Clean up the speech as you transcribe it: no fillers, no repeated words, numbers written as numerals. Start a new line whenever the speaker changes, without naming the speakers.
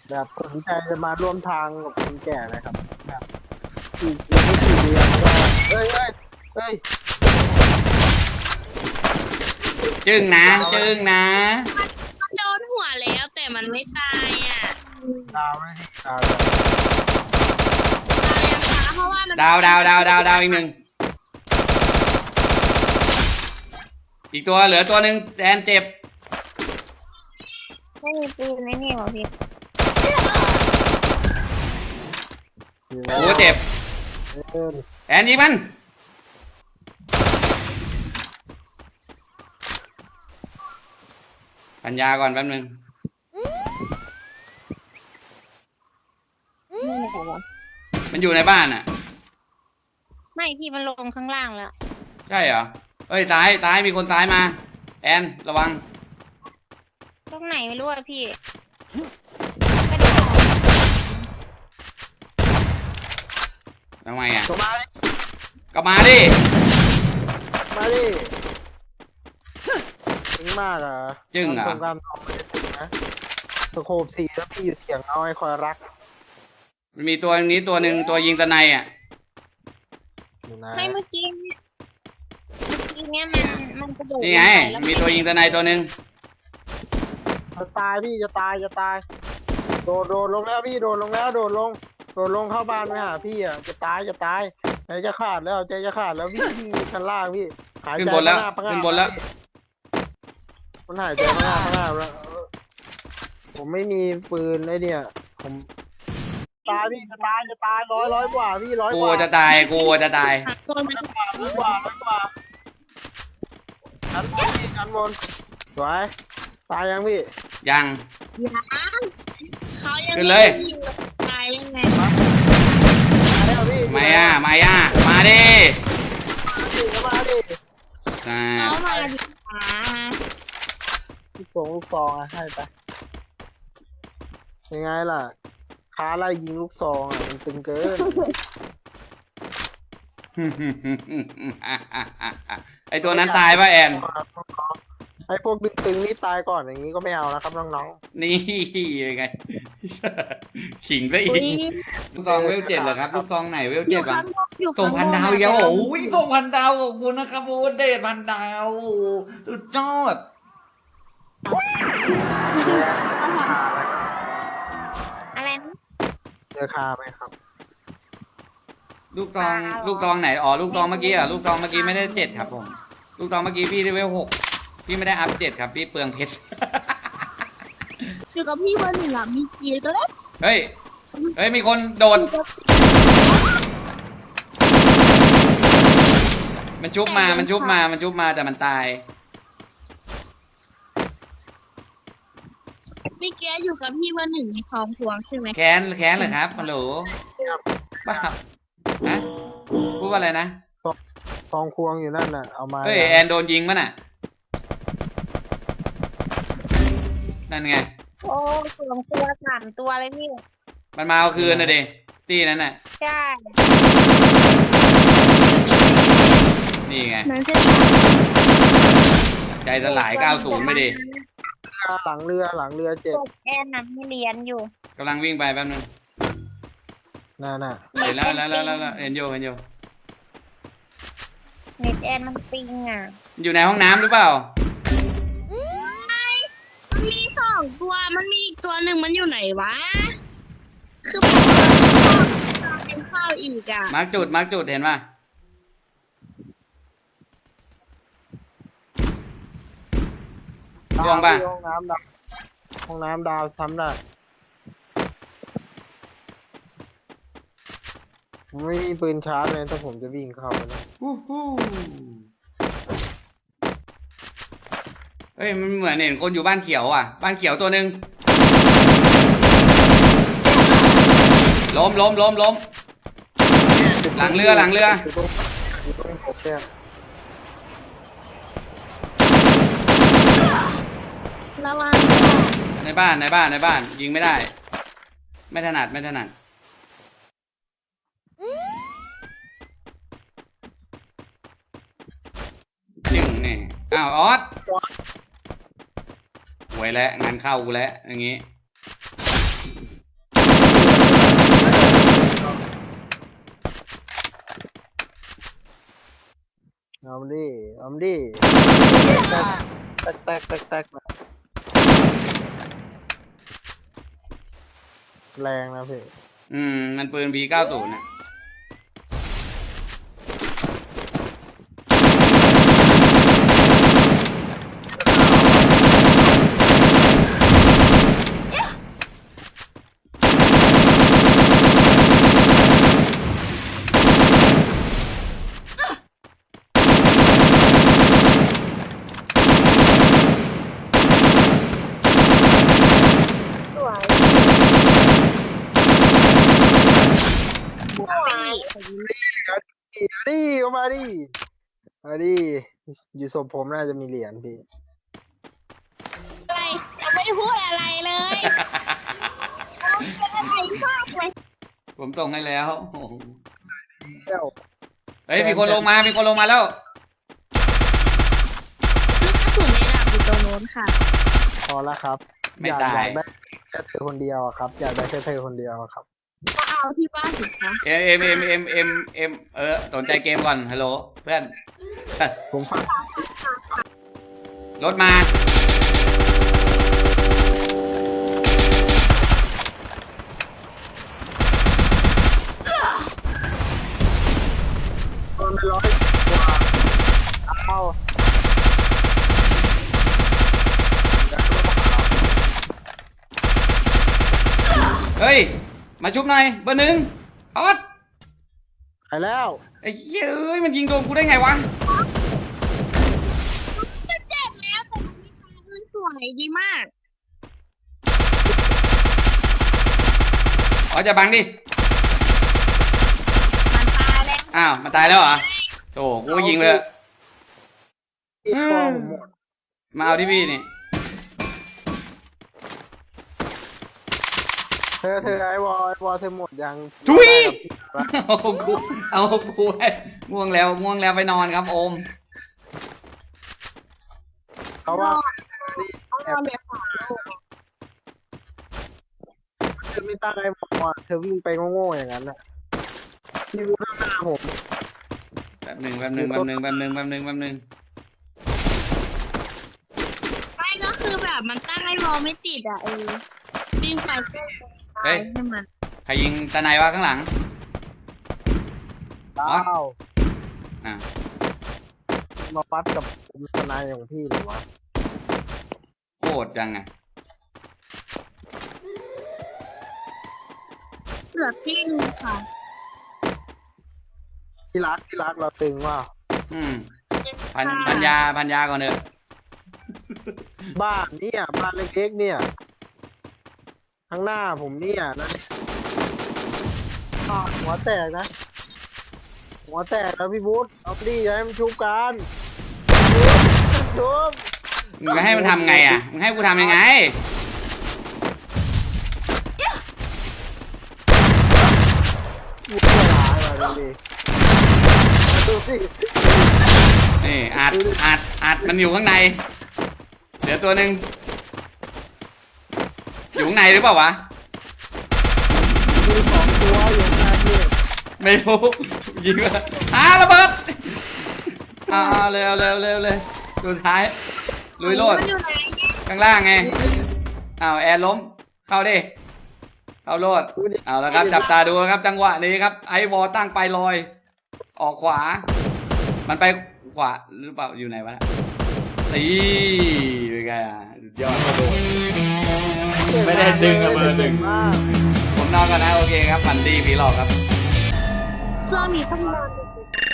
แบบสนใจจะมาร่วมทางกับคนแก่นะครับแบบอีกไม่กี่เดือนก็เฮ้ย
จึ้งนะจึ้งนะ
มันโดนหัวแล้วแต่มันไม่ตายอ่ะ
ดาวไม่ดีดาว
ตายยังคะเพราะว่ามัน
ดาวอีกหนึ่งอีกตัวเหลือตัวหนึ่งแดนเจ็บ
ไม่มีปืนไม่มีหรอพี่
โอ้เจ็บแอนยิงมันปัญญาก่อนแป๊บนึงมันอยู่ในบ้านอ่ะ
ไม่พี่มันลงข้างล่างแล้ว
ใช่เหรอเอ้ยตายมีคนตายมาแอนระวัง
ตรงไหนไม่รู้อะพี่
ทำไมอ่ะ
มาดิ
ก็มาดิ
จริงมากอ่ะ
จึ้งเหรอ
ตรงการทองไม่ได้ถึงนะสโคป4แล้วพี่อยู่เสียงน้อยคอยรัก
มันมีตัวนี้ตัวหนึ่งตัวยิงตะไนอ่ะ
ไม่เมื่อกี้เนี่ยมันกระโดด
นี่ไงมีตัวยิงตะไนตัวหนึ่ง
จะตายพี่จะตายโดดลงแล้วพี่โดดลงเข้าบ้านไปหาพี่อ่ะจะตายใจจะขาดแล้วพี่ชั้นล่างพี่หายใจ
ขึ้นบนแล้ว
มันหายใจข้างหน้าแล้วผมไม่มีปืนไอ้เนี่ยผมตายพี่จะตายร้อยกว่าพี่100 กว่า
จะตาย
ตัวมัน
ร้อยกว่าชั้นบนสวยตายยังพี่
ยัง
เขายัง
ขึ้นเลย
ตายยังไง
มาดิมาดิ
มาดิ
เขามาดิ
ลูกซองให้ไปยังไงล่ะค้าไล่ยิงลูกซองมันตึงเกิน
ไอตัวนั้นตายป่ะแอน
ไอพวกตึงๆนี่ตายก่อนอย่างนี้ก็ไม่เอานะครับน้อง
ๆนี่ยังไงขิงไปอีกลูกตองเวล7เหรอครับลูกตองไหนเวล7วะส่งพันดาวเยอะโอ้ยส่งพันดาวขอบคุณนะครับโอ้เดชพันดาวสุดยอด
อะไรนะ
เจอคาไหมครับ
ลูกตองไหนอ๋อลูกตองเมื่อกี้ลูกตองเมื่อกี้ไม่ได้7ครับผมลูกตองเมื่อกี้พี่ได้เวล6พี่ไม่ได้อัพ7ครับพี่เปลืองเพชร
อยู่กับพี่วันหนึ่งมีกีก็แล้ว
เฮ้ยมีคนโดนมันชุบมาแต่มันตาย
พี่แกอยู่กับพี่วันหนึ่งมีคลองพวงใช่ไหม
แค้นเหรอครับฮัลโหลบ้าฮะพูดว่าอะไรนะ
ทองควงอยู่นั่นน่ะเอามา
เฮ้ยแอนโดนยิงมั้ยน่ะนั่นไง
โอ้2 ตัว3 ตัวเลยพี่
มันมาเอาคืนนะเดตี้นั้นน่ะ
ใช่
นี่ไง
นั่นใช่
ใจสลาย90ไม่ดี
หลังเรือเจ็บ
แอนน่ะมีเรียนอยู่
กำลังวิ่งไปแป๊บนึง
น่ะ
เห็นแล้วเห็นโย
เน็ตแอนมันปิงอ่ะ
อยู่ในห้องน้ำหรือเปล่า
มี2 ตัวมันมีอีกตัวหนึ่งมันอยู่ไหนวะคือเป็นข้าวอีกอ่ะ
มาร์กจุดเห็นป่ะดวงป่ะ
ห้องน้ำดาวซ้ำได้ผมไม่มีปืนชาร์จเลยถ้าผมจะวิ่งเข้าไปนะ
เฮ้ยมันเหมือนเห็นคนอยู่บ้านเขียวอ่ะบ้านเขียวตัวหนึ่งล้มหลังเรือ
ระวัง
ในบ้านยิงไม่ได้ไม่ถนัดจึงนี่อ้าวออสหวยแล้วงานเข้ากูแล้วอย่างงี้
เอาดิเอาดิแตกแรงนะพี่
มันปืน P90 น่ะ
สวย
ดิก็มาดิอยู่ศพผมน่าจะมีเหรียญพี่
อะไรยังไม่ได้พูดอะไรเลยเป็นอะไรมากเลย
ผมส่งให้แล้วโอ้โห
เจ้า
เฮ้ยมีคนลงมาแล้ว
ลูกกระสุนในดาบอยู่ตรงโน้นค่ะ
พอแล้วครับ
ไม่
อยาก
ตาย
ได้แค่เธอคนเดียวอะครับ อยากได้แค่เธอคนเดียวอะครับ
ก็เอาที่บ้านสิคะ
สนใจเกมก่อนฮัลโหลเพื่อน
ผมฟัง
รถมา
ตอน100 กว่าเอา
เฮ้ยมาชุบหน่อยเบอร์หนึ่งออส
ไปแล้ว
ไอ้เหี้ยเอ้ยมันยิงโดนกูได้ไงวะ
มันเจ็บแล้วแต่มันไม่ตายมันสวยดีมาก
อ๋อจะบังดิ
มันตายแล้ว
อ้าวมันตายแล้วเหรอโธ่กูก็ยิงเลย
อีกคอผมหมด
มาเอาที่พี่นี่
เธอไอวอเธอหมดยัง
ทุย เอากูให้ง่วงแล้วไปนอนครับโอม
เขาว่า
เอาเหลือ3 ลูก
เธอไม่ตั้งไอวอเธอวิ่งไปโง่ๆอย่างนั้นน่ะพี่รู้ข้างหน้าผม
แป๊บหนึ่ง
ไม่ก็คือแบบมันตั้งให้มองไม่ติดอ่ะวิ่งไปก็ตายให้มัน
ใครยิงตะไนวะข้างหลัง
ดาว
อ่ะ
มาฟัดกับผมทนายของพี่หรือวะ
โคตรจังไง
เหลือที่นึงค่ะ
ที่รักเราตึงว่า
พันยาก่อนเถอะ
บ้านเนี่ยบ้านเล็กๆเนี่ยข้างหน้าผมเนี่ยนะหัวแตกนะหัวแตกแล้วพี่บุ๊ทเอาดิอย่าให้มันชุบกันชุบ
มึงจะให้มันทำไงอ่ะมึงให้กูทำยังไง
ชุบเวลามาดูสิ
นี่อัดมันอยู่ข้างในเดี๋ยวตัวหนึ่งอยู่ข้างในหรือเปล่าวะ
มี2 ตัวอยู่ข้างหน้าพี่
ไม่รู้ยิงมาระเบิดเร็วสุดท้ายลุยโลด
มันอยู่ไหน
ข้างล่างไงแอร์ล้มเข้าดิเข้าโลดเอาแล้วครับจับตาดูนะครับจังหวะนี้ครับไอวอตั้งไปลอยออกขวามันไปขวาหรือเปล่าอยู่ไหนวะตีเป็นไงสุดยอดกระโดดไม่ได้ดึงอะเบอร์หนึ่งผมนอนกันนะโอเคครับฝันดีผีหลอกครับ
ช่วงนี้ต้องนอน